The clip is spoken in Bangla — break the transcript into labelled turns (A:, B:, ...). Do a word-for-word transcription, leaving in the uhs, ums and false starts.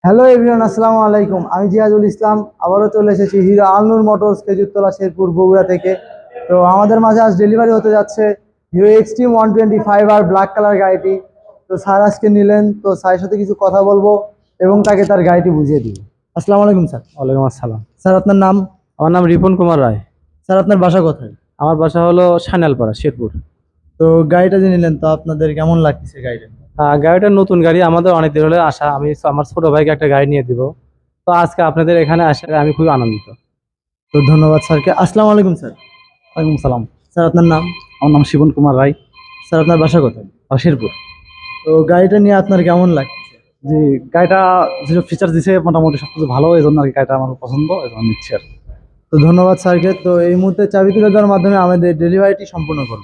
A: হ্যালো এভরিওয়ান, আসসালামু আলাইকুম। আমি জিয়াদুল ইসলাম আবারও চলে এসেছি হিরো আলনুর মোটরস খেজুরতলা শেরপুর বগুড়া থেকে। তো আমাদের মাঝে আজ ডেলিভারি হতে যাচ্ছে Hero Xtreme one twenty five আর ব্ল্যাক কালার গাড়িটি। তো স্যার আজকে নিলেন, তো স্যারের সাথে কিছু কথা বলবো এবং তাকে তার গাড়িটি বুঝিয়ে দিব। আসসালামু আলাইকুম স্যার।
B: ওয়ালাইকুম আসসালাম।
A: স্যার আপনার নাম?
B: আমার নাম রিপন কুমার রায়।
A: স্যার আপনার বাসা কোথায়?
B: আমার বাসা হলো সান্যালপাড়া, শেরপুর।
A: তো গাড়িটা যে নিলেন, তো আপনাদের কেমন লাগছে গাড়িটা?
B: আহ, গাড়িটা নতুন গাড়ি, আমাদের অনেক দিন হলে আসা। আমি আমার ছোট ভাইকে একটা গাড়ি নিয়ে দিব, তো আজকে আপনাদের এখানে আসে আমি খুবই আনন্দিত।
A: তো ধন্যবাদ স্যারকে। আসসালামু আলাইকুম স্যার।
B: ওয়ালাইকুম সালাম।
A: স্যার আপনার নাম?
B: আমার নাম শিবন কুমার রায়।
A: স্যার আপনার বাসা কোথায়?
B: আর শেরপুর।
A: তো গাড়িটা নিয়ে আপনার কেমন লাগছে?
B: জি, গাড়িটা যেসব ফিচার দিছে মোটামুটি সবকিছু ভালো, এই জন্য আর কি গাড়িটা আমার পছন্দ, এই জন্য নিচ্ছি আর কি।
A: তো ধন্যবাদ স্যারকে। তো এই মুহূর্তে চাবি তুলে দেওয়ার মাধ্যমে আমাদের ডেলিভারিটি সম্পূর্ণ করব।